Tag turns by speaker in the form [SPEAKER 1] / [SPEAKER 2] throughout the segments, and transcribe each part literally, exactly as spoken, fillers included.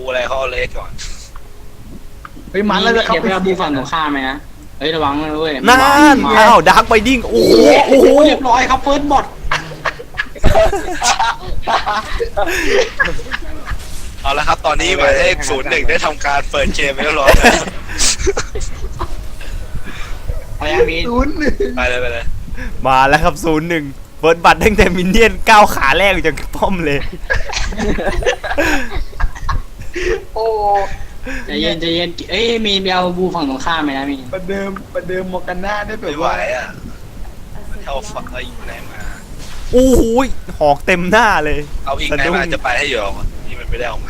[SPEAKER 1] อะไรเขาเอาเลสก่อน
[SPEAKER 2] เฮ้ยมันแล้วจะเข้า
[SPEAKER 3] ไปเอาบูฝั่งตรงข้ามไหมนะเฮ้ยระวังนะเว้ย
[SPEAKER 4] นั่นอ้าวดาร์กไบดิ้งโอ้โหโอ้โห
[SPEAKER 3] เรียบร้อยครับเฟิร์สบอท
[SPEAKER 1] เอาละครับตอนนี้หมายเลขศูนย์หนึ่งได้ทำการเปิดเกมไปแล้วร้อยแล้ว
[SPEAKER 3] พยายามมี
[SPEAKER 2] ศูนย์หนึ่ง
[SPEAKER 1] ไปเลยไปเลย
[SPEAKER 4] มาแล้วครับศูนย์หนึ่งเฟิร์สบัตตั้งแต่มินเนี่ยนก้าวขาแรกจากป้อมเลย
[SPEAKER 2] โอ้
[SPEAKER 3] ใจเย็นใจเย็นเอ้ยมีไปเอาบูฝั่งตรงข้ามไหมนะมี
[SPEAKER 2] ประเดิมประเดิมมอร์กาน่าได้แบ
[SPEAKER 1] ไม่
[SPEAKER 2] บ
[SPEAKER 1] ไหว
[SPEAKER 2] ว่า
[SPEAKER 1] อ่ะเอาฝักเอาอีกไหนมา
[SPEAKER 4] โอ้โหหอกเต็มหน้าเลย
[SPEAKER 1] เอาอีกไหนมาจะไปให้อยู่นี่มันไม่ได้ออกมา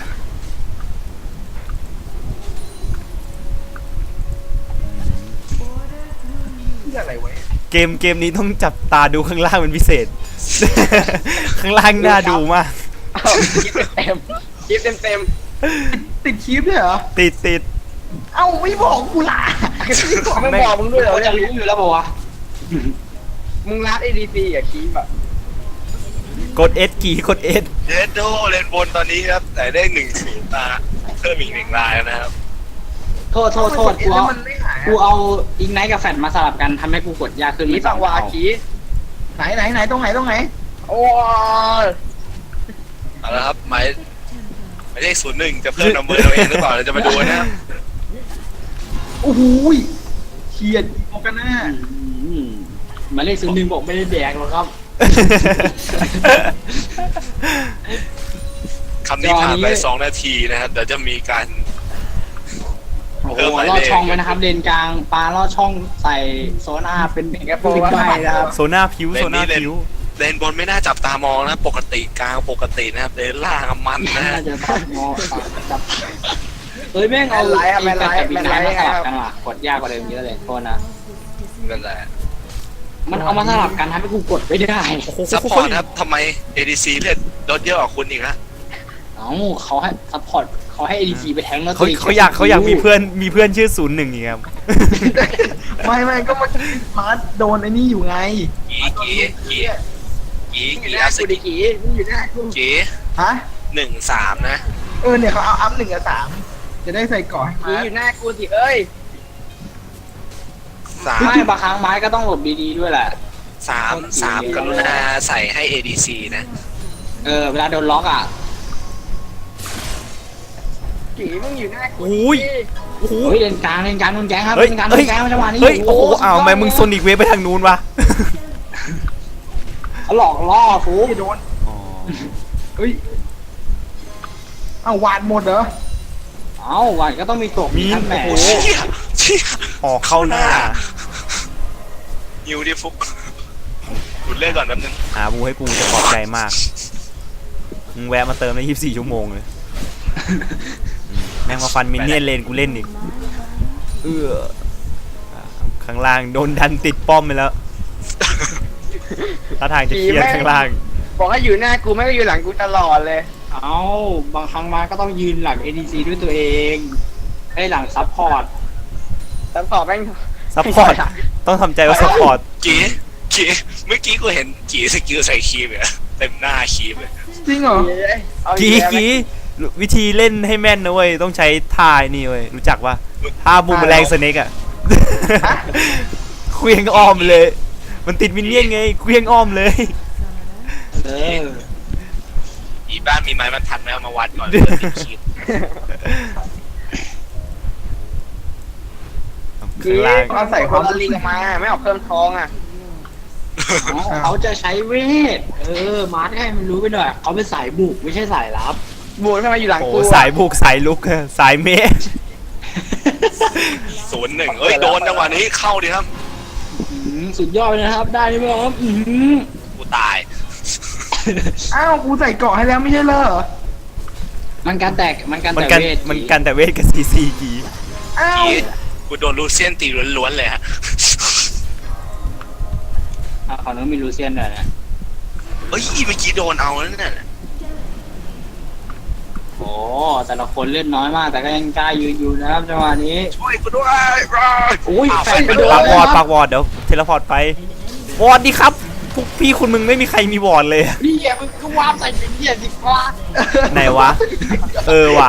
[SPEAKER 2] ที่อะไรวะ
[SPEAKER 4] เกมเกมนี้ต้องจับตาดูข้างล่างเป็นพิเศษ ข้างล่างน่าดูมาก
[SPEAKER 5] เต็มคลิปเต็มเต็ม
[SPEAKER 2] ติดคลิปเลยเหรอ
[SPEAKER 4] ติดติด
[SPEAKER 2] เอ้าไม่บอกกูล่ะ
[SPEAKER 5] ไม่บอกมึงด้วยเหรอ
[SPEAKER 3] เขาจะรู้อยู่แล้วบอกว่า
[SPEAKER 5] มึงรัด เอ ดี ซี อ่ะคลิปอ่ะ
[SPEAKER 4] กด S กี่กด S
[SPEAKER 1] เดดโดเลนบนตอนนี้ครับแต่ได้หนึ่งศูนย์มาเพิ่มอีกหนึ่งรายนะครับ
[SPEAKER 3] โทษโทษโทษกู
[SPEAKER 2] แล้ว
[SPEAKER 3] เอา
[SPEAKER 2] มันไม่หาย
[SPEAKER 3] กูเอาอิงไนท์กับแฟดมาสลับกันทำให้กูกดยากขึ้น
[SPEAKER 5] คลิ
[SPEAKER 3] ไม่
[SPEAKER 5] ปฝั่งวาคี
[SPEAKER 2] ไหนไหนไหนตรงไหนตรงไหน
[SPEAKER 5] โอ้ย
[SPEAKER 1] เอาละครับหมายหมายเลขศูนย์หนึ่งจะเพิ่มนัมเบอร์ตัวเองหรือเปล่าเราจะมาดูนะครับ
[SPEAKER 2] โอ้โหเขียดมอร์กาน่า
[SPEAKER 3] อืมหมายเลขศูนย์หนึ่งบอกไม่ได้แดกหรอกครับ
[SPEAKER 1] คำนี้ผ่านไปสองนาทีนะครับเดี๋ยวจะมีการ
[SPEAKER 3] โอ้โห
[SPEAKER 1] เพิ่มหมาย
[SPEAKER 3] ลอ
[SPEAKER 1] เล
[SPEAKER 3] ด
[SPEAKER 1] ข
[SPEAKER 3] ช่องไว้นะครับเลนกลางปลาลอดช่องใส่โซน่าเป็น
[SPEAKER 5] สิงคโปร์ว่า
[SPEAKER 3] ใบ
[SPEAKER 5] ไง
[SPEAKER 3] นะครับ
[SPEAKER 4] โซน่าผิวโซน่าผิว
[SPEAKER 1] เลนบนไม่น่าจับตามองนะปกติกลางปกตินะครับเลนล่างอะมันนะ
[SPEAKER 3] น่า
[SPEAKER 1] ฮะ
[SPEAKER 3] จะตัดงอจับเฮ้ยแม่งเอา
[SPEAKER 5] แมนไลท์อะแมนไลท์
[SPEAKER 3] กับอิงไนท์
[SPEAKER 5] แม
[SPEAKER 3] มาน ส
[SPEAKER 5] ไลท์
[SPEAKER 3] ลับกันว่ะกดยากกว่าเดิมเยอะเลยโทษนะ
[SPEAKER 1] นั่นแหละ
[SPEAKER 3] มันเอามาสลับกันทำให้กูกดไม่ได้
[SPEAKER 1] ซัพพอร์ตครับทำไม เอ ดี ซี เลือดลดเยอะกว่าคุณอีกนะ
[SPEAKER 3] เอ้าเขาให้ซัพพอร์ตเขาให้ เอ ดี ซี ไปแทงแล้ว
[SPEAKER 4] เขาเขาอยากเขาอยากมีเพื่อนมีเพื่อนชื่อศูนย์หนึ่งอีกครับ
[SPEAKER 2] ไม่ไม่ก็มันมาโดนไอ้นี่อยู่ไง
[SPEAKER 1] กีกีกีกี
[SPEAKER 5] มึงอยู่
[SPEAKER 1] กี
[SPEAKER 5] หน้า
[SPEAKER 1] อาส
[SPEAKER 5] กูดิ
[SPEAKER 1] กี
[SPEAKER 5] กีมึงอยู่หน้ากู
[SPEAKER 1] กี
[SPEAKER 2] ฮะ
[SPEAKER 1] หนึ่งสามนะ
[SPEAKER 2] เออเนี่ยเขาเอาอัพหนึ่งกับสามจะได้ใส่ก่อให้
[SPEAKER 5] กี
[SPEAKER 2] มา
[SPEAKER 5] อยู่หน้ากูสิเอ้ย
[SPEAKER 1] สาม
[SPEAKER 3] ไม่บางครั้งไม้ก็ต้องหลบดีๆด้วยแหละ
[SPEAKER 1] สามสามกรุณาใส่ให้ เอ ดี ซี นะ
[SPEAKER 3] เออเวลาโดนล็อกอ่ะ
[SPEAKER 5] กีมึงอยู่หน้ากู
[SPEAKER 4] อุ้ย โอ้โห
[SPEAKER 3] เฮ้ยเลนกลางเลนกลางโดนแก๊งครับ
[SPEAKER 4] เฮ้ย
[SPEAKER 3] เลนกลางโด
[SPEAKER 4] เฮ้ย
[SPEAKER 3] นแก๊งจังหวะนี้
[SPEAKER 4] เฮ้ยโอ้โห
[SPEAKER 3] สุดยด
[SPEAKER 4] อ้าวทำไมมึงโซนิกเวฟไปทางนู้นวะ
[SPEAKER 3] เอาหลอกล่อฟู
[SPEAKER 2] ไม่โดนเฮ้ยเอาวาดหมดเหรอ
[SPEAKER 3] เอ้าวันก็ต้องมีตก
[SPEAKER 4] มี
[SPEAKER 3] ท่านแหม
[SPEAKER 4] โอ้โห
[SPEAKER 1] เชี่ยเชี่ย
[SPEAKER 4] หอกเข้าหน้า
[SPEAKER 1] นิวดิฟุกหยุดเล่นก่อนแป๊บนึง
[SPEAKER 4] หาบูให้กูจะขอบใจมากมึงแวะมาเติมได้ยี่สิบสี่ชั่วโมงเลยอืมแม่งมาฟันมินเนี่ยนเลนกูเล่นอีกเอออ่าข้างล่างโดนดันติดป้อมไปแล้วท่าทางจะเครียดข้างล่าง
[SPEAKER 5] บอกให้อยู่หน้ากูไม่ก็อยู่หลังกูตลอดเลย
[SPEAKER 3] เอ้าบางครั้งมาก็ต้องยืนหลัง เอ ดี ซี ด้วยตัวเองไอ้หลังซัพพอร์ต
[SPEAKER 5] แต่พอแม่ง
[SPEAKER 4] ซัพพอร์ตต้องทำใจว่าซัพพอร์ต
[SPEAKER 1] กีกีเมื่อกี้กูเห็นกีสกิลใส่คีบเนี่ยเต็มหน้าคีบเลย
[SPEAKER 2] จริงเหรอ
[SPEAKER 5] เอาอี
[SPEAKER 4] กี
[SPEAKER 5] แล้ว
[SPEAKER 4] กีวิธีเล่นให้แม่นนะเว้ยต้องใช้ท่าไอ้นี่เว้ยรู้จักว่าท่าบูมแมลงสเน็กอะเควียงอ้อมเลย มันติดมินเนี่ยนไงเควียงอ้อมเลย
[SPEAKER 3] เออ
[SPEAKER 1] อีบ้านมีไม้บรรทัดไหมเอามาวัดก่อนเพื่อติดคีบ
[SPEAKER 4] ข้างล่าง
[SPEAKER 5] เอาใส่ความลิงมาไม่เอาเพิ่มทองอ่ะ
[SPEAKER 3] เอาเขาจะใช้เวทเออมาร์ทให้มันรู้ไปหน่อยเขาเป็นสายบุกไม่ใช่สายลับ
[SPEAKER 5] บูนทำไมอยู่หลัง
[SPEAKER 4] โอ้
[SPEAKER 5] กู
[SPEAKER 4] สายบุกสายลุกอะสายเมะ
[SPEAKER 1] ศูนย์หนึ่งเอ้ยโดนจังหวะนี้เข้าดิครับ
[SPEAKER 3] อื้อหือสุดยอดเลยนะครับ ได้ไหมครับอื้อหือ
[SPEAKER 1] กูตาย
[SPEAKER 2] อ้าวกูใส่เกาะให้แล้วไม่ใช่เหรอ
[SPEAKER 3] มันการแตกมันการ
[SPEAKER 4] มัน
[SPEAKER 3] แตก
[SPEAKER 4] กัน
[SPEAKER 3] เวท
[SPEAKER 4] มันกันแต่เวทกับซีซีกี
[SPEAKER 2] อ้าว
[SPEAKER 1] กีกูโดนลูเซียนตีล้วนๆเลยฮะ
[SPEAKER 3] อ่ะขอน้องมีลูเซียนหน่อยนะ
[SPEAKER 1] เอ้ยเมื่อกี้โดนเอาแล้วเนี่ย
[SPEAKER 3] โอ้แต่ละคนเล่นน้อยมาก แต่ก็ยังกล้ายืนอยู่นะครับจังหวะนี้
[SPEAKER 1] ช่วยกูด้วย
[SPEAKER 3] อุ้ย
[SPEAKER 1] อ้าว
[SPEAKER 3] แฟ
[SPEAKER 1] แฟ
[SPEAKER 3] น
[SPEAKER 1] น
[SPEAKER 3] ไป
[SPEAKER 1] ไป
[SPEAKER 3] โด
[SPEAKER 1] โด
[SPEAKER 3] น
[SPEAKER 1] น
[SPEAKER 4] ปากวอดปากวอดเดี๋ยวเทเลพอร์ตไปวอดดีครับพวกพี่คุณมึงไม่มีใครมีบอร์ดเลยอะ
[SPEAKER 3] นี่แกมึงก็วาร์ปใส่เป็นเหี้ยสิฟ้า
[SPEAKER 4] ไหนวะ เออว่ะ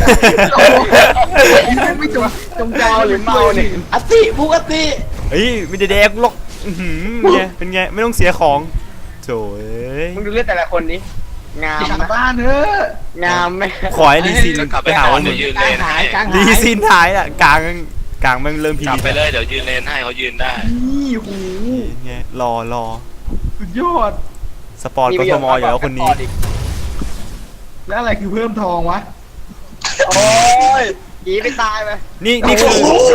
[SPEAKER 2] ไม่จงจงใจ
[SPEAKER 5] เมาหรือเมาเนี่ย
[SPEAKER 3] อติปกติ
[SPEAKER 4] เฮ้ยไม่ได้แดกหรอกอื้อหือเป็นไงเป็นไงไม่ต้องเสียของโถ่เอ้ย
[SPEAKER 5] มึงดูเลือดแต่ละคนนี้งาม
[SPEAKER 2] กลับ
[SPEAKER 5] นะ
[SPEAKER 2] บ้านเถอะ
[SPEAKER 5] งามไหม
[SPEAKER 4] ขอให้ลีซิน
[SPEAKER 1] จะกลับ
[SPEAKER 4] ไป
[SPEAKER 1] ไป
[SPEAKER 4] หา
[SPEAKER 1] หา
[SPEAKER 4] ว่า
[SPEAKER 1] เดี๋
[SPEAKER 4] มึ
[SPEAKER 1] ยว
[SPEAKER 4] ง
[SPEAKER 1] ยืน
[SPEAKER 3] ก
[SPEAKER 1] เล
[SPEAKER 3] ลาง
[SPEAKER 1] น
[SPEAKER 3] หา
[SPEAKER 1] ให้
[SPEAKER 3] ยกลาง
[SPEAKER 4] ลี
[SPEAKER 3] หาย
[SPEAKER 4] ซินหายอ่ะกลางกลางมันเริ่มพี
[SPEAKER 1] กลับ
[SPEAKER 4] ดี
[SPEAKER 1] ไปเลยเดี๋ยวยืนเลนให้เขายืนได้
[SPEAKER 2] นี่หู
[SPEAKER 4] ไงรอรอ
[SPEAKER 2] สุดยอด
[SPEAKER 4] สปอร์ตกทมอยู่แล้วคนนี้
[SPEAKER 2] แล้วอะไรคือเพิ่มทองวะ
[SPEAKER 5] โอ้ยหนีไปตายไป
[SPEAKER 4] นี่นี่คือ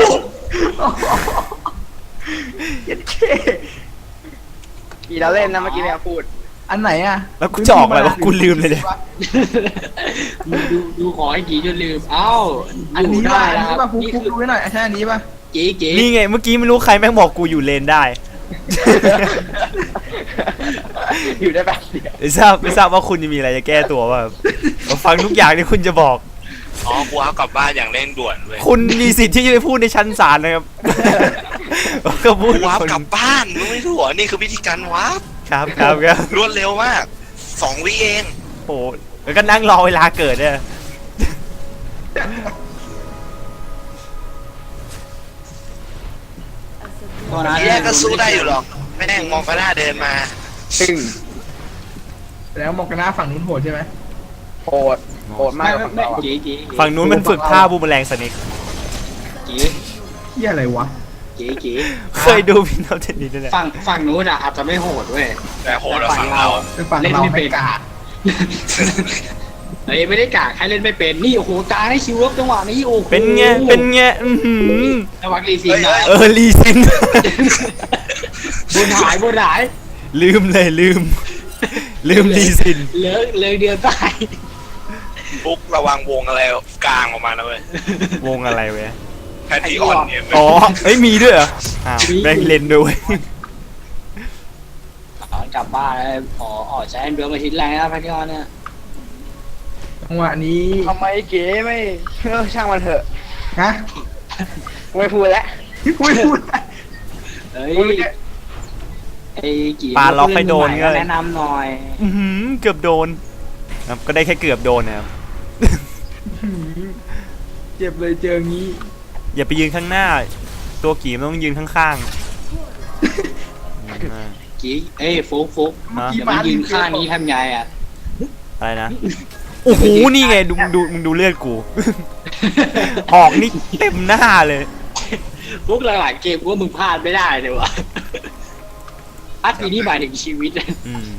[SPEAKER 2] เย็ดเค
[SPEAKER 5] กี่เราเล่นนะเมื่อกี้เนี่ยพูด
[SPEAKER 2] อันไหนอ่ะ
[SPEAKER 4] แล้วกูจะออกอะไรวะกูลืมเลยเนี่ย
[SPEAKER 3] ดูดูขอให้กี่จนลืมเอ้า
[SPEAKER 2] อันนี้
[SPEAKER 3] ได้
[SPEAKER 2] ป่ะอัน
[SPEAKER 3] แล้วค
[SPEAKER 2] นี้
[SPEAKER 3] รั
[SPEAKER 2] ป่ะ
[SPEAKER 3] บ
[SPEAKER 2] ฟุก
[SPEAKER 3] นี่
[SPEAKER 2] ฟุก
[SPEAKER 3] คือ
[SPEAKER 2] ดูให้หน่อยใช่อันนี้ป่ะ
[SPEAKER 3] เก๋เก๋
[SPEAKER 4] นี่ไงเมื่อกี้ไม่รู้ใครแม่งบอกกูอยู่เลนได้
[SPEAKER 5] อยู่ได้แบบเดียว
[SPEAKER 4] ไม่ทราบไม่ทราบว่าคุณจะมีอะไรจะแก้ตัวป่ะครับผมฟังทุกอย่างที่คุณจะบอก
[SPEAKER 1] อ๋อกูเอากลับบ้านอย่างเร่งด่วนเว้ย
[SPEAKER 4] คุณมีสิทธิ์ที่จะไปพูดในชั้นศาลนะครับ ก็พูด
[SPEAKER 1] กูวาร์ป
[SPEAKER 4] คน
[SPEAKER 1] กลับบ้านมึงไม่รู้เหรอนี่คือวิธีการวาร์ป
[SPEAKER 4] ครับครับครับ
[SPEAKER 1] รวดเร็วมากสองวิเอง
[SPEAKER 4] โอ้โหแล้วก็นั่งรอเวลาเกิดเนี่ย
[SPEAKER 3] ตัวนั้น
[SPEAKER 1] แยกก็สู้ได้อยู่หรอกแม่งมองก็น่าเดินมา
[SPEAKER 5] ตึง
[SPEAKER 2] แล้วมองกันหน้าฝั่งนู้นโหดใช่ไหม
[SPEAKER 5] โหดโหดมาก
[SPEAKER 3] ไม่
[SPEAKER 5] กว่า
[SPEAKER 3] ไม่
[SPEAKER 5] ฝั่งเราอะ
[SPEAKER 3] เก๋เก๋
[SPEAKER 4] ฝั่งนู้นมันฝึกท่าบูมแมลงสนิก
[SPEAKER 3] เก๋
[SPEAKER 2] เฮียอะไรวะ
[SPEAKER 3] เก๋เก๋
[SPEAKER 4] เคยดูพี่น้องเทนนิสด้วยแหละ
[SPEAKER 3] ฝั่งฝั่งนู้นอะอาจจะไม่โหดเว้ย
[SPEAKER 1] แต่โหดกว่าฝั่งเรา
[SPEAKER 2] คือฝั่ง
[SPEAKER 3] เล่น
[SPEAKER 2] เรา
[SPEAKER 3] ไม่
[SPEAKER 2] ไม่
[SPEAKER 3] เป็น
[SPEAKER 2] กล้า
[SPEAKER 3] เฮ้ยไม่ได้กากให้เล่นไม่เป็นนี่โอ้โหกลางให้คิวลบจังหวะนี้โอ้โห
[SPEAKER 4] เป็นไงเป็นไงอือหือ
[SPEAKER 3] ระวังรีซินนะ
[SPEAKER 4] เออลีซิน
[SPEAKER 3] บนหายบนหาย
[SPEAKER 4] ลืมเลยลืม ลืมลีซิน
[SPEAKER 3] เหลือเหลือเดียวตาย
[SPEAKER 1] ปุ๊กระวังวงอะไรกลางออกมานะเว้ยว
[SPEAKER 4] งอะไรเว้ย
[SPEAKER 1] แพททีออนเนี่ย
[SPEAKER 4] อ๋อเอ้ยมีด้วยเหรออ้าวแม่งเล่นด้วย
[SPEAKER 3] อ๋อกลับบ้านแล้วอ๋ออ๋อใช้แอนเดอร์มาชิ้นแรงนะพัทยาเนี่ย
[SPEAKER 2] จังหวะนี้
[SPEAKER 5] ทำไมเก๋ไม่เออช่างมันเถอะ
[SPEAKER 2] ฮะ
[SPEAKER 5] กูไม่พูดแล้ว
[SPEAKER 2] ไม่พูด
[SPEAKER 3] เฮ้ย
[SPEAKER 5] กูไม่ได้
[SPEAKER 3] ไอ้กี่
[SPEAKER 4] ปลาล็อกให้โดน
[SPEAKER 3] ก็
[SPEAKER 4] ก็
[SPEAKER 3] แนะนำหน่อย
[SPEAKER 4] อื้อหือเกือบโดนครับก็ได้แค่เกือบโดนนะครับ
[SPEAKER 2] เจ็บเลยเจองี้
[SPEAKER 4] อย่าไปยืนข้างหน้า ตัวกี่มันต้องยืนข้างๆอืม
[SPEAKER 3] กี่เอ้ยฟุกฟุก
[SPEAKER 4] ฮะ
[SPEAKER 3] เดี๋ยวมันยืนข้างนี้ทำไงอ่ะ
[SPEAKER 4] อะไรนะโอ้โหนี่ไงดูมึงดูมึงดูเลือดกู หอกนี่เต็มหน้าเลย
[SPEAKER 3] ฟุกหลายๆเกมกูว่ามึงพลาดไม่ได้เลยวะอัดทีนี้หมายถึงชีวิต
[SPEAKER 4] อืม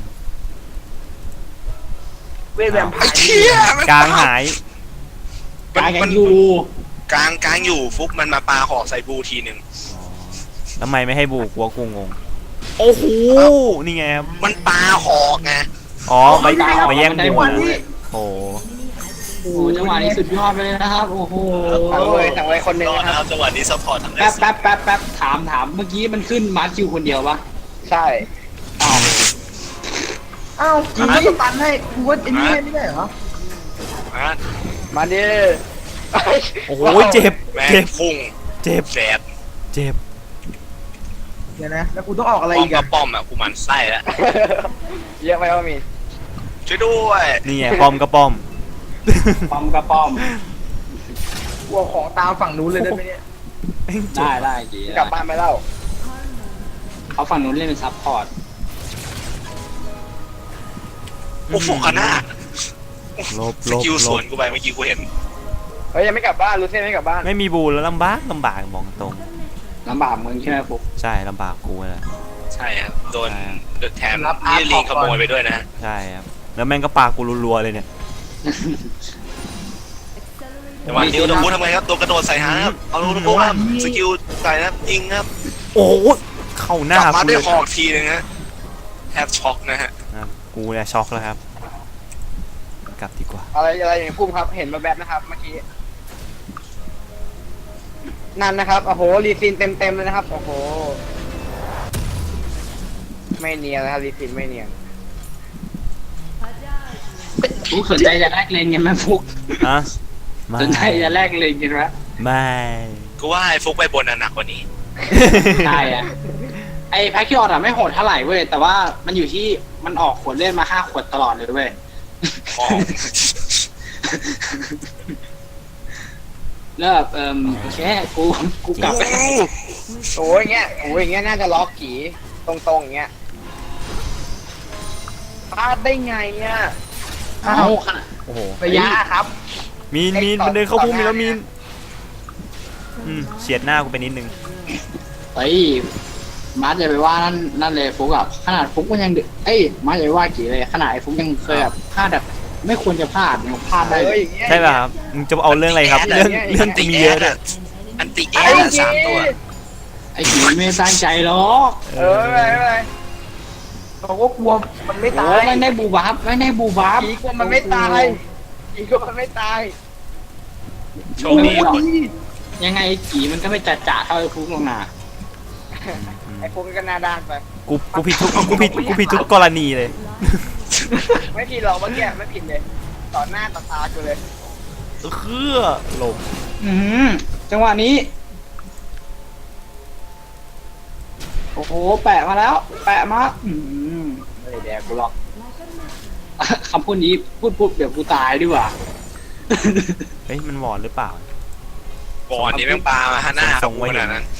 [SPEAKER 5] เวทแวมไพ
[SPEAKER 1] ไอ้
[SPEAKER 5] ร์
[SPEAKER 1] เชี่ยมัน
[SPEAKER 4] กลางหาย
[SPEAKER 3] กลางยังอยู่
[SPEAKER 1] กลางกลางอยู่ฟุกมันมาปาหอกใส่บูทีหนึ่ง
[SPEAKER 4] ทำไมไม่ให้บูกลัวกูงงโอ้โหนี่ไงครับ
[SPEAKER 1] มันปาหอกไง
[SPEAKER 4] อ๋อไปไปแย่งบูนะโอ้โห
[SPEAKER 3] โอ้โหจังหวะนี้สุดยอดไปเลยนะครับ โอ้โห
[SPEAKER 5] สั่งเลยสั่งเลยคนหนึ่ง
[SPEAKER 1] รอด
[SPEAKER 5] นะ
[SPEAKER 1] นะ
[SPEAKER 5] ค
[SPEAKER 1] ค
[SPEAKER 5] รั
[SPEAKER 1] รั
[SPEAKER 5] บบ
[SPEAKER 1] จังหวะนี้ซัพพอร์ตทั้งได้
[SPEAKER 3] แป๊บ
[SPEAKER 1] สิ
[SPEAKER 3] แป๊บแป๊บแป๊บถามถามเมื่อกี้มันขึ้นมาร์คิวคนเดียวปะ
[SPEAKER 5] ใช่
[SPEAKER 2] อ้าวกูก็สตันให้กูว่าไอ้นี่ให้ไม่ได้เหรอ
[SPEAKER 1] อ่ะ
[SPEAKER 5] มาดิ
[SPEAKER 4] โอ้โหเจ็บ
[SPEAKER 1] แม่ง
[SPEAKER 4] เจ็บ
[SPEAKER 1] พุ่ง
[SPEAKER 4] เจ็บ
[SPEAKER 1] แสบ
[SPEAKER 4] เจ็บ
[SPEAKER 2] เดี๋ยวนะ แล้วกูต้องออกอะไร
[SPEAKER 1] ป้อม
[SPEAKER 2] อีก
[SPEAKER 1] ก็
[SPEAKER 2] อะ
[SPEAKER 1] ป้อมอ่ะกูหมันไส้แล้ว
[SPEAKER 5] เยอะไปว่ามี
[SPEAKER 1] ช่วยด้วย
[SPEAKER 4] นี่ไงป้อมก็ป้อม
[SPEAKER 3] ป้อมกระป้อม
[SPEAKER 2] กูเอาของตามฝั่งนู้นเลยได้ไหมเนี่ย
[SPEAKER 3] ได้ได้กี่
[SPEAKER 5] กลับบ้านไปแล้ว
[SPEAKER 3] เขาฝั่งนู้นเล่นเป็นซับพอร์ต
[SPEAKER 1] โอ้โหขนาด
[SPEAKER 4] ลบ
[SPEAKER 1] ส
[SPEAKER 4] ลบ
[SPEAKER 1] กิลส
[SPEAKER 4] ล
[SPEAKER 1] วน
[SPEAKER 4] บ
[SPEAKER 1] กูไปเมื่อกี้กูเห็น
[SPEAKER 5] เฮ้ยยังไม่กลับบ้านรู้เส้นไม่กลับบ้าน
[SPEAKER 4] ไม่มีบูแล้วลำบากลำบากมองตรง
[SPEAKER 3] ลำบากมึงใช่ไหมฟุก
[SPEAKER 4] ใช่ลำบากกูแหละ
[SPEAKER 1] ใช่ครับโดนแถมนี่ลิงขโมยไปด้วยนะ
[SPEAKER 4] ใช่ครับแล้วแม่งก็ปากกูรัวๆเลยเนี่ย
[SPEAKER 1] จังหวะนี้อุดมพูทำไงครับตัวกระโดดใส่หางครับเอาอุดมพูครับสกิลใส่นะครับยิงครับ
[SPEAKER 4] โอ้โหเข้าก หน้า
[SPEAKER 1] ลับมา
[SPEAKER 4] กู
[SPEAKER 1] ด้
[SPEAKER 4] เล
[SPEAKER 1] วย
[SPEAKER 4] ย
[SPEAKER 1] หอกทีนึงฮะแทบช็อกนะฮะ
[SPEAKER 4] ครับกูเนี่ยช็อกแล้วครับ กลับดีกว่า
[SPEAKER 5] อะไรอะไรอย่างพุ่มครับเห็นมาแบบนะครับเมื่อกี้นั่นนะครับโอ้โหรีซินเต็มเต็มๆเลยนะครับโอ้โหไม่เนียนนะครับรีซินไม่เนียน
[SPEAKER 3] ฟุกสนใจจะแลกเลนกันไหมฟุก
[SPEAKER 4] ฮะไม่
[SPEAKER 3] สนใจจะแลกเลนกันไหม
[SPEAKER 4] ไม่
[SPEAKER 1] กูว่าไอ้ฟุกไปบนน่ะหนักกว่านี้
[SPEAKER 3] ใช่อะไอไอ้แพ็คคิออดอะไม่โหดเท่าไหร่เว้ยแต่ว่ามันอยู่ที่มันออกขวดเลือดมาห้าขวดตลอดเลยเว้ย
[SPEAKER 1] อ๋อ
[SPEAKER 3] แล้วแบบเออโอเคกูกูกลับไป
[SPEAKER 5] โอ้ยอย่างเงี้ยโอ้ยอย่างเงี้ยน่าจะล็อกขี่ตรงๆอย่างเงี้ยพลาดได้ไงเนี่ย
[SPEAKER 3] เอาขนาด
[SPEAKER 4] โอ้โห
[SPEAKER 5] ระยะครับ
[SPEAKER 4] มีนมีนมันเดินเข้าพุ่มมีแล้วมีนอืมเฉียดหน้ากูไปนิดนึง
[SPEAKER 3] เฮ้ยมาร์ทอย่าไปว่านั่นนั่นเลยฟุกอะขนาดฟุกมันยังเดือเอ้ยมาร์ทอย่าไปว่ากี่เลยขนาดไอ้ฟุกยังเคยแบบพลาดแบบไม่ควรจะพลาดยังพลาดได้
[SPEAKER 5] เอ
[SPEAKER 3] เล
[SPEAKER 5] อย อย่างเงี้ย
[SPEAKER 4] ใช่ป่ะครับมึงจะเอาเรื่องอะไรครับ เรื่องเรื่อง
[SPEAKER 1] ติ
[SPEAKER 4] มี
[SPEAKER 1] แอ
[SPEAKER 4] เยอะ
[SPEAKER 1] ด
[SPEAKER 4] ด้วย
[SPEAKER 1] อะอันติแอ
[SPEAKER 5] ไอ้
[SPEAKER 1] ดอะ
[SPEAKER 5] จี
[SPEAKER 1] สามตัว
[SPEAKER 3] ไอ้กี่ไม่ตั้งใจหรอก
[SPEAKER 5] เออไม่เป็นไรไม่เป็นไรบอกว่ากลัวมันไม่
[SPEAKER 3] โอ้
[SPEAKER 5] ตาย
[SPEAKER 3] ไม่ได้บูบับไม่ได้บูบับ
[SPEAKER 5] ผีกลัวมันไม่ตายผีกลัวมันไม่ตาย
[SPEAKER 1] โชคดีหมด
[SPEAKER 3] ยังไงไอ้กี่มันก็ไม่จัดจ่าเท่าไอ้ฟุกลงนา
[SPEAKER 5] ไอ้พวกก็หน้าด้านไป
[SPEAKER 4] กูกูผิดทุกกูผิดกูผิดทุกกรณีเลย
[SPEAKER 5] ไม่ผิดหรอกเมื่อกี้ไม่ผิดเลยต่อหน้าต่อตากูเลย
[SPEAKER 4] คือหลบ
[SPEAKER 3] อืมจังหวะนี้ โอ้โห แปะมาแล้ว แปะมาอืมไม่ได้แดกกูหรอก คำพูดนี้พูดปุ๊บเดี๋ยวกูตายดีกว่า
[SPEAKER 4] เฮ้ยมันหวอนหรือเปล่า
[SPEAKER 1] ก่อนนี้แม่งปลามาฮะหน้า
[SPEAKER 4] ส่งไว้
[SPEAKER 1] ขนาดนั้น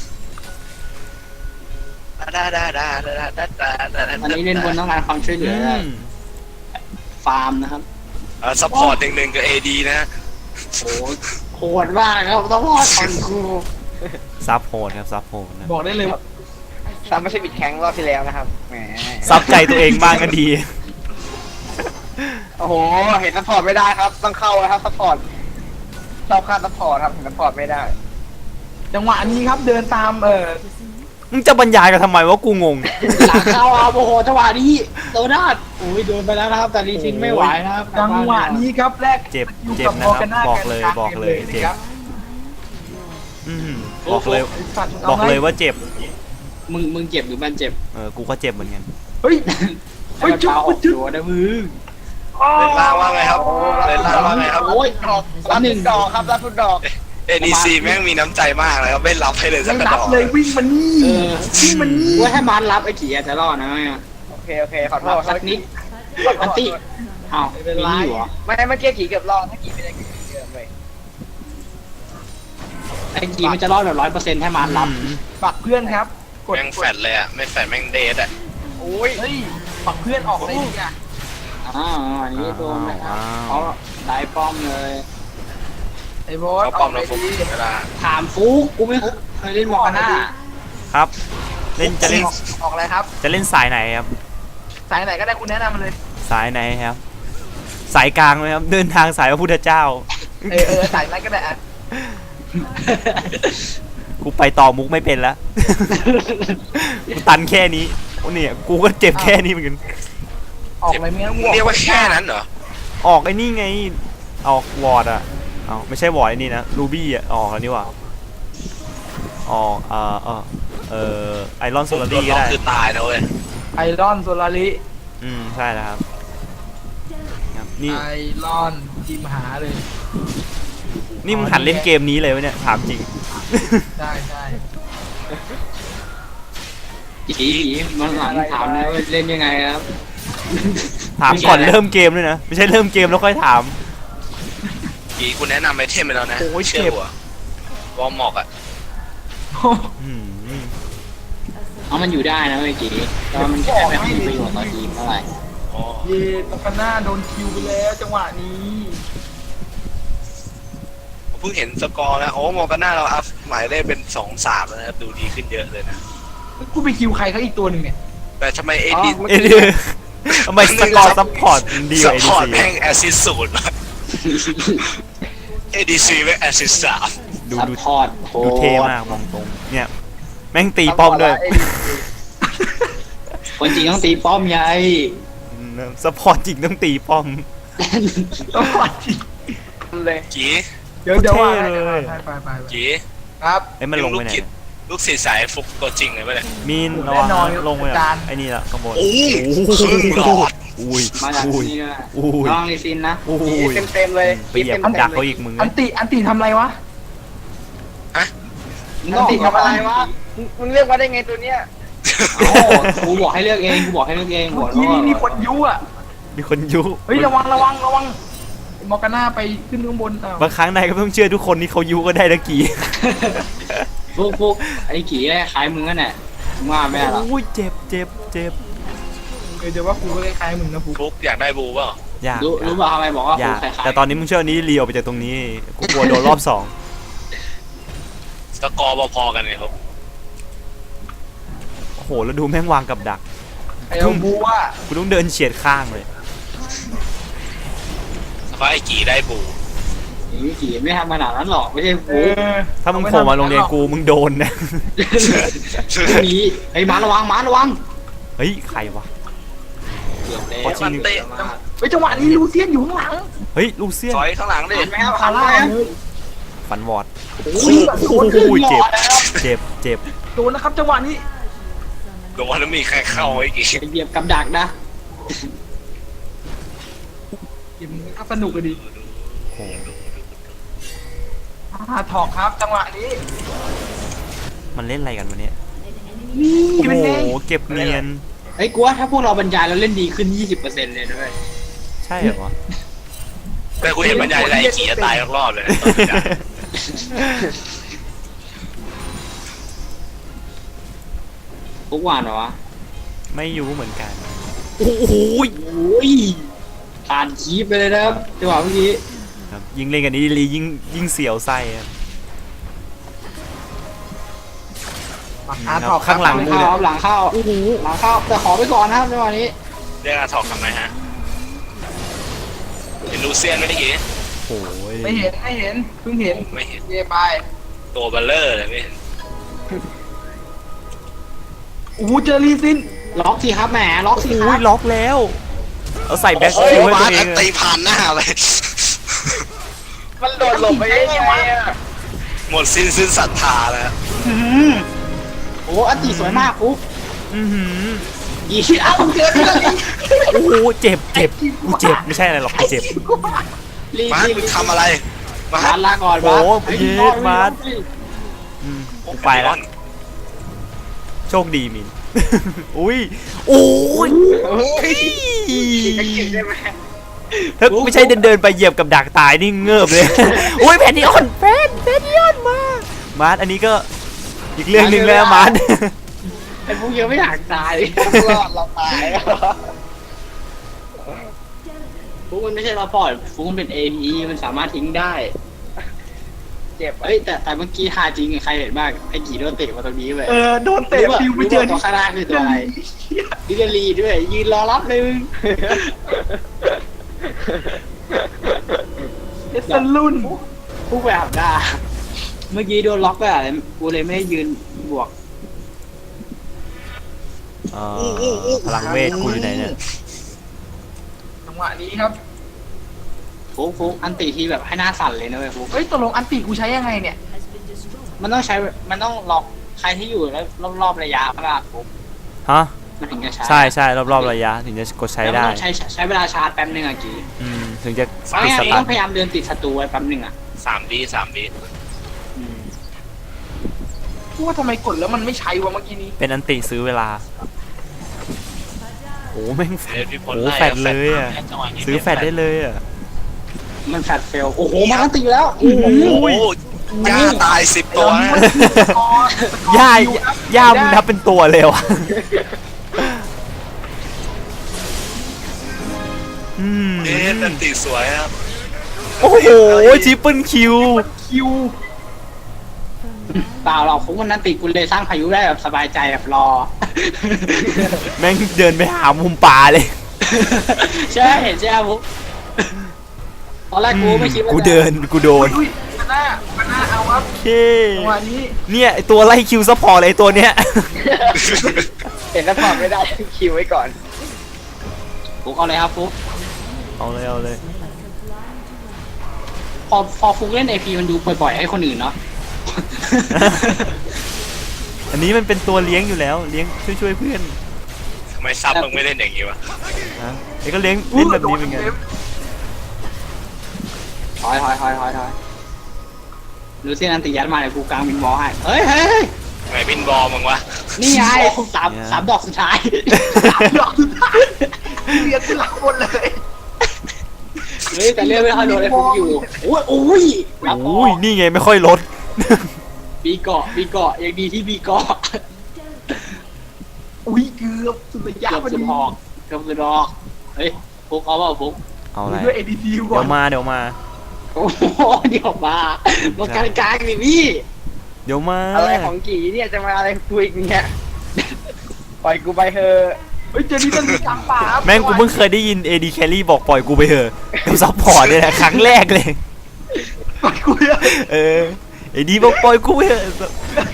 [SPEAKER 1] ดาดาดาดาดาดาดาดาดา
[SPEAKER 3] วันนี้เล่นบนต้องการความช่วยเหลือ
[SPEAKER 4] อืม
[SPEAKER 3] ฟาร์มนะครับ
[SPEAKER 1] เออซัพพอร์ตหนึ่งหนึ่งกับเอดีนะ
[SPEAKER 3] โอ้โหโหดมากครับต้องรอดก่อนกู
[SPEAKER 4] ซับโหดครับซับโหดนะ
[SPEAKER 3] บอกได้เลยว่า
[SPEAKER 5] ซ้ำไม่ใช่บิดแข็งรอบที่แล้วนะครับแหม
[SPEAKER 4] ซับใจตัวเองบ้างก็ดี
[SPEAKER 5] โอ้โหเห็นซัพพอร์ตไม่ได้ครับต้องเข้าแล้วครับซัพพอร์ตชอบค่าซัพพอร์ตครับเห็นซัพพอร์ตไม่ได้
[SPEAKER 2] จังหวะนี้ครับเดินตามเออ
[SPEAKER 4] มึงจะบรรยายกันทำไมวะกูงง
[SPEAKER 3] หลังเข้าเอาโอ้โหจังหวะนี้โดนด้านโอ้ยโดนไปแล้วนะครับ แต่ลีซินไม่ไหวนะครับ
[SPEAKER 2] จังหวะนี้ครับแรก
[SPEAKER 4] เจ็บ
[SPEAKER 2] อยู่
[SPEAKER 4] เจ็บ
[SPEAKER 2] กับ
[SPEAKER 4] นะครับ
[SPEAKER 2] มร์กาา
[SPEAKER 4] บอกเลย
[SPEAKER 2] น
[SPEAKER 4] บอกเลย
[SPEAKER 2] กลางกม
[SPEAKER 4] เจ็บ
[SPEAKER 2] นะครับ
[SPEAKER 4] อืมบอกเลย
[SPEAKER 2] ไอ้สัตว์มึง
[SPEAKER 4] บ
[SPEAKER 2] เอา
[SPEAKER 4] อก
[SPEAKER 2] ไง
[SPEAKER 4] เลยว่าเจ็บ
[SPEAKER 3] มึงมึงเจ็บหรือมันเจ็บ
[SPEAKER 4] เออกูก็เจ็บเหมือนกัน
[SPEAKER 2] เฮ้ย
[SPEAKER 3] เฮ้ยจุ๊บจุ๊บนะมึง
[SPEAKER 1] เลนล่างว่าไงครับเลนล่างว่าไงครับ
[SPEAKER 3] โอ้ย
[SPEAKER 5] ดอกรับทุกดอกครับรับทุกดอก
[SPEAKER 1] เอดีซีแม่งมีน้ำใจมากเลยครับไม่รับให้เลยสั
[SPEAKER 2] ไม่
[SPEAKER 1] กกระ
[SPEAKER 2] รั
[SPEAKER 1] ด
[SPEAKER 2] บอก
[SPEAKER 1] เล
[SPEAKER 2] เลย ยวิ่งมานี่
[SPEAKER 3] เออ
[SPEAKER 2] วิ่งมานี่
[SPEAKER 3] ว่าให้มันรับไอ้ขี่อาจจะรอดนะแม่
[SPEAKER 5] โอเคโอเคขอโท
[SPEAKER 3] รับ
[SPEAKER 5] ษ
[SPEAKER 3] สักนิดอันติอ้าวไม่มีอยู่เหรอ
[SPEAKER 5] ไม่เมื่อกี้ขี่เกือบรอดถ้าขี่ไม่ได้ขี่เกือบเลย
[SPEAKER 3] ไอ้ขี่มันจะรอดแบบร้อยเปอร์เซ็นต์ให้มันรับ
[SPEAKER 4] อืม
[SPEAKER 2] ปักเพื่อนครับกด
[SPEAKER 1] แม่งแฟดเลยอ่ะไม่แฟดแม่งเดทอ่ะ
[SPEAKER 5] โอ้ย
[SPEAKER 2] เฮ้ยปักเพื่อนออกเลยเนี่ย
[SPEAKER 3] อ้าวอันนี้โดนนะครับเขาได้ป้อมเลย
[SPEAKER 2] ไอ้โบอส
[SPEAKER 1] เขาปลอมเราฟุกเวลา
[SPEAKER 3] ถามฟุกกูไม่เคยเล่นมอร์กาน่า
[SPEAKER 4] ครับ เล่นจะเล่น
[SPEAKER 2] ออกอะไรครับ
[SPEAKER 4] จะเล่นสายไหนครับ
[SPEAKER 2] สายไหนก็ได้คุณแนะนำมาเลย
[SPEAKER 4] สายไหนครับ สายกลางไหมครับ เดินทางสายพระพุทธเจ้า
[SPEAKER 2] เออเออสายนั้นก็ได้อะ
[SPEAKER 4] กูไปต่อมุกไม่เป็นแล้ว กูตันแค่นี้โอ้เนี่ยกูก็เจ็บแค่นี้เหมือนกัน
[SPEAKER 2] ออกอะไรไม่งั้น
[SPEAKER 1] มึงเรียกว่าแค่นั้นเหรอ
[SPEAKER 4] ออกไอ้นี่ไง ออกวอร์ดอะเอาไม่ใช่วอร์ดไอ้นี่นะรูบี้อะออกแล้วนี่หว่าออกเอ่อเออเออไอรอนโซลา
[SPEAKER 1] โด
[SPEAKER 4] รี่
[SPEAKER 1] น
[SPEAKER 4] ก็
[SPEAKER 1] ล็อก
[SPEAKER 4] ได้
[SPEAKER 1] คือตายนะเว้ย
[SPEAKER 2] ไอรอนโซลาริ
[SPEAKER 4] อืมใช่แล้วครับครับนี่
[SPEAKER 2] ไอรอนทีมหาเลย
[SPEAKER 4] นี่มึงหัดเล่นเกมนี้เลยวะเนี่ยถามจริง
[SPEAKER 2] ใช่ใช่
[SPEAKER 3] ขี่ขี่มันหลังถามนะว่าเล่นยังไงครับ
[SPEAKER 4] ถามก่อนเริ่มเกมด้วยนะไม่ใช่เริ่มเกมแล้วค่อยถาม
[SPEAKER 1] กีกูแนะนำไอเทมไปแล้วนะ
[SPEAKER 4] โอ้ย
[SPEAKER 1] เชื่อ
[SPEAKER 4] เจ็บ
[SPEAKER 1] หัววอร์มอกอ่ะ
[SPEAKER 4] อืม
[SPEAKER 3] เอามันอยู่ได้นะเมื่อกี้แต่ว่ามันแค่ไม่ค่อยมีประโยชน์ต่อทีมเท่าไหร่
[SPEAKER 1] อ๋อ
[SPEAKER 2] เย่ตอกาน่าโดนคิวไปแล้วจังหวะนี้
[SPEAKER 1] ผมเพิ่งเห็นสกอร์แล้วโอ้มองกันหน้าเราอัพหมายเลขเป็นสองสามแล้วนะครับดูดีขึ้นเยอะเลยนะ
[SPEAKER 2] กูไปคิวใครเขาอีกตัวหนึ่งเนี่ย
[SPEAKER 1] แต่ทำไมเอดี
[SPEAKER 4] เอ็ดดี้ทำไมสกอร์ซัพพอร์ตดีก
[SPEAKER 1] ซั
[SPEAKER 4] ว่า
[SPEAKER 1] พ
[SPEAKER 4] เอ
[SPEAKER 1] พอร์ต
[SPEAKER 4] ดี
[SPEAKER 1] แม่งแอสซิสศูนย์เอดีซีแม่งแอสซิสสาม
[SPEAKER 4] ดู
[SPEAKER 3] ซัพ
[SPEAKER 4] ดู
[SPEAKER 3] พอร์ตโห
[SPEAKER 4] ดูเท่มากมองตรงเนี่ยแม่งตีป้อมด้วย
[SPEAKER 3] คนจริงต้องตีป้อมไง
[SPEAKER 4] ซัพพอร์ตจริงต้องตีป้อม
[SPEAKER 2] ต้องปัดที
[SPEAKER 5] เลย
[SPEAKER 1] กี
[SPEAKER 2] เดี๋ยวเดี๋ยวว่า
[SPEAKER 4] เท่เลย
[SPEAKER 2] ไปไปไปไป
[SPEAKER 1] กี
[SPEAKER 2] ครับ
[SPEAKER 4] ไอ้ยมันลงไปไหน
[SPEAKER 1] ลูกศิษย์ลูกศิษย์สายฟุกตัวจริงเลยปะเนี่ย
[SPEAKER 4] มีน
[SPEAKER 2] แน่นอน
[SPEAKER 4] ลงไป
[SPEAKER 2] อาจารย์
[SPEAKER 4] ไอ้นี่ละข้างบน
[SPEAKER 1] โอ้ครึ่งหลอด
[SPEAKER 4] อุ้ย
[SPEAKER 3] มาจาก
[SPEAKER 4] อุ้ย
[SPEAKER 3] นี่ด้วย
[SPEAKER 4] อุ้ย
[SPEAKER 3] น้องลิซินนะ
[SPEAKER 4] อุ้ย
[SPEAKER 5] เต็มเต็มๆเลย
[SPEAKER 4] ไปเหยียบดักเขาอีกมึง
[SPEAKER 2] อันติอันติทำอะไรวะ
[SPEAKER 3] มึงต้อง
[SPEAKER 5] ติทำอะไรวะมึงมึงเรียกว่าได้ไงตัวเนี้ย
[SPEAKER 3] เอ้ากูบอกให้เลือกเองกูบอกให้เลือกเองบ
[SPEAKER 2] เมื่
[SPEAKER 3] อ
[SPEAKER 2] อก กี้
[SPEAKER 3] ว่า
[SPEAKER 2] นี่มีคนยุอ่ะ
[SPEAKER 4] มีคนยุ
[SPEAKER 2] เฮ้ยระวังระวังระวังมอร์กาน่าไปขึ้นข้างบนอ้าว
[SPEAKER 4] บางครั้งนายก็ต้องเชื่อทุกคนที่เขายุก็ได้ตะกี้
[SPEAKER 3] ฟุกฟุกไอ้กี่ได้คล้ายมึงนั่นแหละมึงว่าไม่ได้หรอก
[SPEAKER 4] โอ้ยเจ็บเจ็บเจ็บ
[SPEAKER 2] เออเดี๋ยวว่ากูก็คล้ายๆมึงนะกู
[SPEAKER 1] ฟุกอยากได้บูเปล่า
[SPEAKER 4] อยาก
[SPEAKER 3] รู้รู้ป่ะทำไมบอกว่า
[SPEAKER 4] อ
[SPEAKER 3] ฟุ
[SPEAKER 4] ยาก ก
[SPEAKER 3] คล้ายๆ
[SPEAKER 4] แต่ตอนนี้มึงเชื่อนี้เลียวไปจากตรงนี้กูกลัวโดนรอบสอง
[SPEAKER 1] สกอร์พอๆกันเลยครับ
[SPEAKER 4] โอ้โหแล้วดูแม่งวางกับดัก
[SPEAKER 2] ไอ้เอาบูว่า
[SPEAKER 4] กูต้องเดินเฉียดข้างเลย
[SPEAKER 1] สภาพไอ้กี่ได้บู
[SPEAKER 3] ไอ้กี่ไม่ทำขนาดนั้นหรอกไม่ใช่
[SPEAKER 2] เอ
[SPEAKER 3] ฟุก
[SPEAKER 2] อ
[SPEAKER 4] ถ้ามึงโผล่มาโรงเรียนกูมึงโดนนะ
[SPEAKER 3] ไม่มีไอ้ยหมาระวังหมาระวัง
[SPEAKER 4] เฮ้ยใครวะ
[SPEAKER 3] เกือบแล้ว
[SPEAKER 4] ขอชิ
[SPEAKER 1] มั
[SPEAKER 4] ง
[SPEAKER 1] นเตะ
[SPEAKER 2] เฮ้ยจังหวะนี้ลูเซียนอยู่ข้างหลัง
[SPEAKER 4] เฮ้ยลูเซียน
[SPEAKER 1] ถอยข้างหลังดิ
[SPEAKER 3] ทันไหมครับ
[SPEAKER 2] คา
[SPEAKER 3] ทันไหม
[SPEAKER 2] ร่า
[SPEAKER 3] ครับ
[SPEAKER 2] เลย
[SPEAKER 4] ฟันวอร์ด
[SPEAKER 2] โอ้ยแบบโดน
[SPEAKER 4] โอ้ยเจ็บเจ็บเจ็บ
[SPEAKER 2] โดนนะครับจังหวะนี้
[SPEAKER 1] โดนแล้วมีใครเข้าไอ้กี่
[SPEAKER 3] ไอ้เหยียบกับดักนะ
[SPEAKER 2] เกมนี้ก็สนุกเลยดิ
[SPEAKER 4] โอ้โห
[SPEAKER 2] อ่าถอกครับจังหวะนี้
[SPEAKER 4] มันเล่นอะไรกันวะเนี่ย
[SPEAKER 2] นี่
[SPEAKER 4] โอ้
[SPEAKER 2] เป็นไง
[SPEAKER 4] โหเก็บเนียน
[SPEAKER 3] ไอ้ยกูว่าถ้าพวกเราบรรยายแล้วเล่นดีขึ้น ยี่สิบเปอร์เซ็นต์ เลยด้วย
[SPEAKER 4] ใช่เหรอวะ
[SPEAKER 1] แต่กูเห็นบรรยายอะไรไอ้กี่จะตายรอบๆเลย
[SPEAKER 3] ฟุกหวานเหรอวะ
[SPEAKER 4] ไม่รู้เหมือนกัน
[SPEAKER 3] โอ้โหโอ้ยผ่านคีบไปเลยนะครับจังหวะเมื่อกี้
[SPEAKER 4] ครับยิ่งเล่นกันนี้ลียิ่งยิ่งเสียวไส้อะ
[SPEAKER 2] อ่าถอก
[SPEAKER 4] ข้างหลัง
[SPEAKER 3] หลังเข้าครับหลังเข้าโอ้โหหลังเข้าแต่ขอไปก่อนนะครับจังหวะนี้
[SPEAKER 1] เรียกอาถอกทำไมฮะเห็นลูเซียนไหมไอ้กี่
[SPEAKER 4] โอ้ย
[SPEAKER 2] ไม่เห็นไม่เห็นเพิ่งเห็น
[SPEAKER 1] ไม่เห็น
[SPEAKER 2] เย่ไป
[SPEAKER 1] ตัวเบลเลอร์เลยไม่เห็น
[SPEAKER 2] โอ้โหเจอรีซิน
[SPEAKER 3] ล็อกสิครับแหมล็อกสิค
[SPEAKER 4] โอ้
[SPEAKER 3] รั
[SPEAKER 4] ย
[SPEAKER 3] บ
[SPEAKER 4] ล็อกแล้วเอาใส่แบ็ค
[SPEAKER 1] โอ้
[SPEAKER 4] คิ
[SPEAKER 1] ยว
[SPEAKER 4] ให้
[SPEAKER 1] มา
[SPEAKER 4] ตัวเอ
[SPEAKER 1] อั
[SPEAKER 4] ง
[SPEAKER 1] น
[SPEAKER 4] อะ
[SPEAKER 1] ตีผ่านหน้าเลย
[SPEAKER 5] มันโดดหลบไปได้ไงอ่ะ
[SPEAKER 1] หมดสิ้นสิ้นศรัทธาแล้ว
[SPEAKER 3] อื้อหือโอ้อันตีสวยมากฟุก
[SPEAKER 4] อือหือ
[SPEAKER 3] ยี่เอ้าเจอที่ลี
[SPEAKER 4] โอ้โหเจ็บเจ็บกูเจ็บไม่ใช่อะไรหรอกกูเจ็บ
[SPEAKER 3] ลี
[SPEAKER 1] มา
[SPEAKER 3] ลี
[SPEAKER 1] มึงทำอะไรมา
[SPEAKER 3] มาลาก่อน
[SPEAKER 4] โอ้
[SPEAKER 3] มา
[SPEAKER 4] เยสมาร์ท อืมกูไปแล้วโชคดีมิน อุ้ยโอ้ย
[SPEAKER 5] เฮ้ยจะกินได้ไหม
[SPEAKER 4] ถ้าไม่ใช่เดินเดินๆไปเหยียบกับดักตายนี่เงือบเลย อุ้ยแพนนิออนแพนแพนนิออนมามาร์ทอันนี้ก็อีกเรื่องหนึ่งแล้วมาร์ท
[SPEAKER 3] ไอ้พวกยังไม่อยากตาย
[SPEAKER 5] รอดเราตาย
[SPEAKER 3] ฟุกมันไม่ใช่เราปอดฟุกมันเป็น เอ พี มันสามารถทิ้งได้
[SPEAKER 5] เจ็บ
[SPEAKER 3] เอ้ยแต่แต่เมื่อกี้ท่าจริงใครเห็นบ้างไอ้กี่โดนเตะมาตรงนี้เลย
[SPEAKER 2] เออโดนเตะฟิวไปเจอ
[SPEAKER 3] ตัวข้างหน้าคือตัวอะไรดิเดลีด้วย ยืนรอรับเลยมึง
[SPEAKER 2] เอสซันรุ่น
[SPEAKER 3] ฟุกไปอาบน้าเมื่อกี้โดนล็อกไปอะไรกูเลยไม่ได้ยืนบวก
[SPEAKER 4] เอ่อพลังเวทกูอยู่ไหนเนี่ย
[SPEAKER 2] จังหวะนี้ครับ
[SPEAKER 3] ฟุกฟุกอันติที่แบบให้หน้าสั่นเลยนะเว้ยฟุก
[SPEAKER 2] เฮ้ยตกลงอันติกูใช้ยังไงเนี่ย
[SPEAKER 3] มันต้องใช้มันต้องล็อกใครที่อยู่แล้วรอบๆระยะมากฟุก
[SPEAKER 4] ฮะ
[SPEAKER 3] มันถึงจะใช้
[SPEAKER 4] ใช่ใช่รอบๆระยะถึงจะกดใช้
[SPEAKER 3] แล้วมัน
[SPEAKER 4] ได้
[SPEAKER 3] ต้องใช้ใช้เวลาชาร์จแป๊บนึงอะกี่
[SPEAKER 4] อืมถึงจะ
[SPEAKER 3] ไม่
[SPEAKER 4] ติด
[SPEAKER 3] งั้
[SPEAKER 4] ส
[SPEAKER 3] น
[SPEAKER 4] ตา
[SPEAKER 3] ต้
[SPEAKER 4] ร์
[SPEAKER 3] องพยายามเดินติดศัตรูไว้แป๊บนึงอะ
[SPEAKER 1] สามบีสามบี
[SPEAKER 3] อืม
[SPEAKER 2] พูดว่าทำไมกดแล้วมันไม่ใช้วะเมื่อกี้นี้
[SPEAKER 4] เป็นอันติซื้อเวลาโอ้แม่งแฟ
[SPEAKER 1] เดี๋ย
[SPEAKER 4] ด
[SPEAKER 1] วพี่พล
[SPEAKER 4] โอ้
[SPEAKER 1] ไล่
[SPEAKER 4] แฟดเลยอ่ะ
[SPEAKER 1] จังหวะนี้
[SPEAKER 4] ซื้อแฟดได้เลยอ่ะ
[SPEAKER 3] มันแฟดเฟลโอ้โหมันอันติแล้ว
[SPEAKER 1] โอ้โหย่าตายสิบตัวนะ
[SPEAKER 4] ย่าย่ามึงนับเป็นตัวเลยวะอืม
[SPEAKER 1] เอ๊ะนันตีสวยครับ
[SPEAKER 4] โอ้โหทริปเปิลคิว
[SPEAKER 2] คิว
[SPEAKER 3] เปล่าหรอกฟุกมันอันติกูเลยสร้างพายุได้แบบสบายใจแบบรอ
[SPEAKER 4] แม่งเดินไปหามุมป่าเลย
[SPEAKER 3] ใช่เห็นใช่ไหมฟุกตอนแรกกูไม่คิดว่า
[SPEAKER 4] กู
[SPEAKER 3] จะ
[SPEAKER 4] เดินกูโดน
[SPEAKER 2] อุ้ยมันหน้ามันหน้าเอาครับ
[SPEAKER 4] โอเค
[SPEAKER 2] จังหวะนี้
[SPEAKER 4] เนี่ยไอตัวไล่คิวซัพพอร์ตเลยไอ้ตัวเนี้ย
[SPEAKER 5] เห็นแล้วถอดไม่ได้คิวไว้ก่อน
[SPEAKER 3] ฟุกเอาเลยครับฟุก
[SPEAKER 4] เอาเลยเอาเลย
[SPEAKER 3] พอพอฟุกเล่นไอพีมันดูปล่อยๆให้คนอื่นเนาะ
[SPEAKER 4] อันนี้มันเป็นตัวเลี้ยงอยู่แล้วเลี้ยงช่วยช่วยๆเพื่อน
[SPEAKER 1] ทำไมซับมึงไม่เล่นอย่างงี้วะ
[SPEAKER 4] นะไอ้ก็เลี้ยงเล่นแบบนี้เป็นไง
[SPEAKER 3] ถอยถอยถอยถอยถอยดูเส้นอันติยัดมาเลยกูกลางบินบอลให้เฮ้ยเฮ้ยเฮ้ย
[SPEAKER 1] ทำไมบินบอลมึงวะ
[SPEAKER 3] นี่ไงสามสามดอกสุดท้าย
[SPEAKER 5] ดอกสุดท้ายเรียกขึ้นหลังบนเลย
[SPEAKER 3] เฮ้ยแต่เรื่องไม่ค่อยโดนไอ้ฟุกอยู่โอ้ยโอ้ยรับ
[SPEAKER 4] โอ้ยนี่ไงไม่ค่อยลด
[SPEAKER 3] บีเกาะบีเกาะยังดีที่บีเกาะ
[SPEAKER 5] อุ้ยเกือบสุดระยะ
[SPEAKER 3] เกือบ
[SPEAKER 5] พอ
[SPEAKER 3] สุ
[SPEAKER 5] ดี
[SPEAKER 3] ดหอกเกือบสุดหอกเฮ้ยฟุกเอาเปล่าฟุก
[SPEAKER 4] เอาอะไร
[SPEAKER 5] ด้วยเอดีทีก่อ
[SPEAKER 4] เดี๋ย
[SPEAKER 5] น
[SPEAKER 4] วมาเดี๋ยวมา
[SPEAKER 3] โอ้โหเดี๋ยวมามาการกลางดิพี่
[SPEAKER 4] เดี๋ยวมา
[SPEAKER 5] อะไรของกี่เนี่ยจะมาอะไรกูอีกเนี่ยปล่อยกูไปเถอะเฮ้ยเจนี่มันมีกลางป่า
[SPEAKER 4] แม่งกูเพิ่งเคยได้ยิน เอ ดี Carry บอกปล่อยกูไปเถอะกูซัพพอร์ตเนี่ยแหละครั้งแรกเลย
[SPEAKER 5] ปล่อยกูเลย
[SPEAKER 4] เออเอดีบอกปล่อยกูไปเถอะ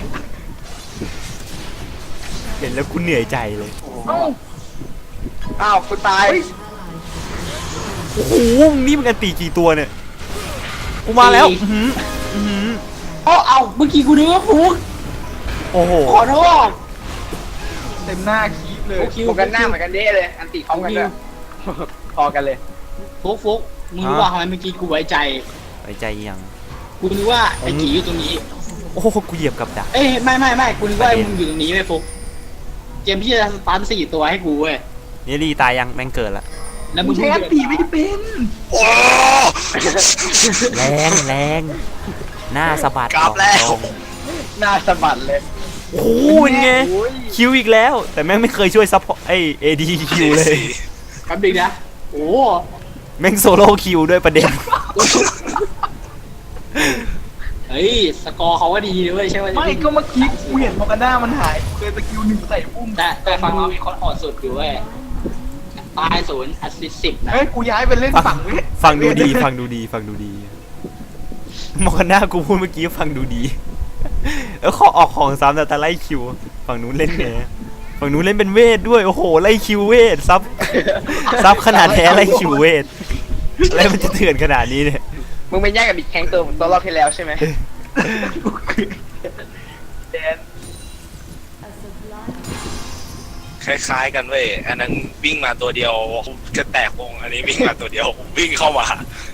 [SPEAKER 4] เห็นแล้วกูเหนื่อยใจเลย
[SPEAKER 5] เอ้าอ้าวกูตาย
[SPEAKER 4] โอ้โหนี่มันกันตีกี่ตัวเนี่ยกูมาแล้วอื้อหืออื้อหือ
[SPEAKER 3] โอ้เอาเมื่อกี้กูนึกว่าฟุก
[SPEAKER 4] โอ้โห
[SPEAKER 3] ขอโทษ
[SPEAKER 5] เต็มหน้าคีบเลย
[SPEAKER 3] โอเค
[SPEAKER 5] โฟกันหน้าเหมือนกันเด้เลยอันติพร้อมกันเลยพอกันเลย
[SPEAKER 3] ฟุกฟุกมึงรู้ว่าทำไมเมื่อกี้กูไว้ใจ
[SPEAKER 4] ไว้ใจยัง
[SPEAKER 3] กูนึกว่าไอ้กีอยู่ตรงนี้
[SPEAKER 4] โอ้โหกูเหยียบกับดัก
[SPEAKER 3] เอ้ยไม่ไม่ไม่กูนึกว่ามึงอยู่ตรงนี้ไอ้ฟุกเกมที่จะสตันสี่ตัวให้กูเว้ย
[SPEAKER 4] นี่รีตายยังแม่งเกิดละ
[SPEAKER 3] แล้ว
[SPEAKER 5] มึ
[SPEAKER 3] มึ
[SPEAKER 5] ง
[SPEAKER 3] ง
[SPEAKER 5] ใช้อันติไม่ได้เป็น
[SPEAKER 1] โอ้
[SPEAKER 4] แรงแรงหน้าสะบัด
[SPEAKER 1] กลับแล้ว
[SPEAKER 4] ตรง
[SPEAKER 5] หน้าสะบัดเลย
[SPEAKER 4] โอ้โหเป็นไง
[SPEAKER 5] โอ้ย
[SPEAKER 4] คิวอีกแล้ว แต่แม่งไม่เคยช่วยซัพพอร์ตไอเอดีคิวเลย
[SPEAKER 3] แป๊บนึงนะโอ้
[SPEAKER 4] แม่งโซโล่คิวด้วยประเด็น
[SPEAKER 3] เฮ้ยสกอร์เขาว่าดีเลยใช่ไหม
[SPEAKER 5] ไม่ก็เมื่อกี้กูเห็นโฟกันหน้ามันหายเคยสกิลหนึ่งใส่ปุ้ม
[SPEAKER 3] แต่แต่ฝั่งเรามีคนโหดสุดอยู่เว้ยตายศูนย์แอสซิสต์สิบนะ
[SPEAKER 5] เฮ้ยกูย้ายไปเล่นฝั่งเว้ย
[SPEAKER 4] ฟังดูดีฟังดูดีฟังดูดีมองหน้ากูพูดเมื่อกี้ฟังดูดีเออขอออกของซ้ำแต่แต่ไล่คิวฝั่งนู้นเล่นไงฝั่งนู้นเล่นเป็นเวทด้วยโอ้โหไล่คิวเวทซับซับขนาดแท้ไล่คิวเวทอะไรมันจะเถื่อนขนาดนี้เนี่ย
[SPEAKER 5] มึงไปแย่งกับบิ๊กแข้งตัวตัวรอบที่แล้วใช่ไหมแดน
[SPEAKER 1] คล้ายๆกันเว้ยอันนั้นวิ่งมาตัวเดียวจะแตกวงอันนี้วิ่งมาตัวเดียววิ่งเข้ามา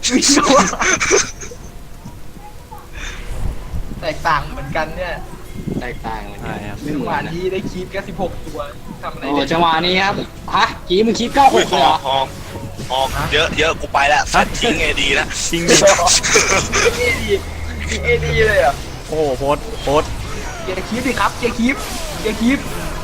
[SPEAKER 5] แตกต่างเหมือนกันเนี่ย
[SPEAKER 3] แตกต่างกัน
[SPEAKER 4] ใช่ครับ
[SPEAKER 3] ไม่
[SPEAKER 5] จั
[SPEAKER 3] เห
[SPEAKER 5] ง
[SPEAKER 3] มื
[SPEAKER 5] ห
[SPEAKER 3] อ
[SPEAKER 5] วะ
[SPEAKER 3] นนะ
[SPEAKER 5] นี้ได้คีบแค่สิบหกตัวทำอะไร
[SPEAKER 3] โอ้
[SPEAKER 5] ได้
[SPEAKER 3] จังหวะนี้ครับฮะกี้มึงคิดเก้าห
[SPEAKER 1] อุ้ย
[SPEAKER 3] ก
[SPEAKER 1] ห
[SPEAKER 3] เลย
[SPEAKER 1] อ
[SPEAKER 3] เหรอ
[SPEAKER 1] กหอกหอกเยอะเยอะกูไปแล้วสัตว์ทิ้งเอดีนะ
[SPEAKER 4] จริงดิ
[SPEAKER 5] เอดีเอดีเลยอ่ะ
[SPEAKER 4] โอ้โหโพสต์โพสต์
[SPEAKER 5] เกียร์คีบดิครับเกียร์คีบเกียร์คีบ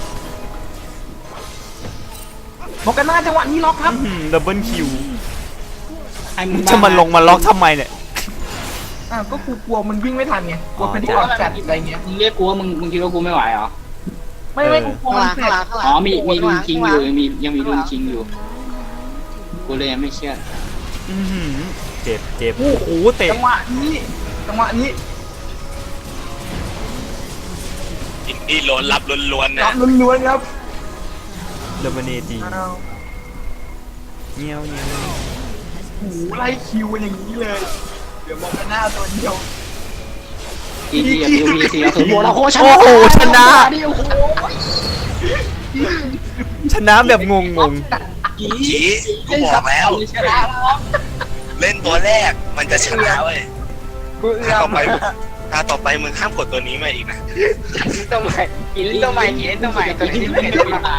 [SPEAKER 5] บอกกันหน้าจังหวะนี้ล็อกครับ
[SPEAKER 4] ดับเบิลคิว
[SPEAKER 3] ให้มึง
[SPEAKER 4] จะมาลงมาล็อกทำไมเนี่ย
[SPEAKER 5] อ่ะก็กูกลัวมันวิ่งไม่ทันไงกลัวเป็นที่ออกจัดอะไรเงี้ย
[SPEAKER 3] มึงเรียกกูว่ามึงมึงคิดว่ากูไม่ไหวเหรอ
[SPEAKER 5] ไม่ไม่กูกลัวมันเสร็จ
[SPEAKER 3] อ๋อมีมีลุนคิงอยู่ยังมียังมีลุนคิงอยู่กูเลยยังไม่เชื่อ
[SPEAKER 4] อื้อหือเจ็บเจ็บโอ้โหเตะ
[SPEAKER 5] จังหวะนี้จังหวะนี้
[SPEAKER 1] อินดี้ล้นรับล้วนๆ
[SPEAKER 5] รั
[SPEAKER 1] นะ
[SPEAKER 5] บล้วนๆครับ
[SPEAKER 4] เดมเนจี
[SPEAKER 5] อ้าว
[SPEAKER 4] เงี้ยวเงี้ยว
[SPEAKER 5] โอ้โหไล่คิวอย่างนี้เลยเดี๋ยวมองกันหน้าตัวเดียว
[SPEAKER 3] อีดีกับยูพีซีเอาถึงโบแล้วโคชนะ
[SPEAKER 4] โอ้โหชนะ
[SPEAKER 3] ดิโอ้โห
[SPEAKER 4] ชนะแบบงงง
[SPEAKER 3] กี
[SPEAKER 1] จีกูบอกแล้ว
[SPEAKER 3] ชนะแล้วครับ
[SPEAKER 1] เล่นตัวแรกมันจะชนะเว้ย
[SPEAKER 5] กูเอื้
[SPEAKER 1] ถ้า
[SPEAKER 5] อ
[SPEAKER 1] ต่อ
[SPEAKER 5] ม
[SPEAKER 1] ไปถ้าต่อไปมึงห้ามกดตัวนี้มาอีกนะ
[SPEAKER 5] ตัวใหม่กินตัวใหม่กินตัวใหม่ตัวนี้ไม่เคยเล่นมา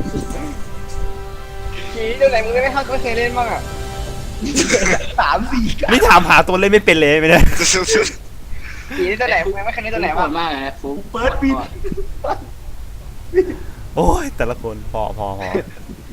[SPEAKER 5] กินตัวไหนมึงไม่เข้าไม่เคยเล่นบ้างอ่ะสามสี่
[SPEAKER 4] ๆนี่ถามหาตัวเล่นไม่เป็นเลยไม่ได้
[SPEAKER 5] กินตัวไหนมึงไม่เคยเล่นตัวไหน
[SPEAKER 3] โห
[SPEAKER 5] บ้าง
[SPEAKER 3] ดมากเลยนะฟุ๊ก
[SPEAKER 5] เปิดปิด
[SPEAKER 4] โอ้ยแต่ละคนพอพอพอ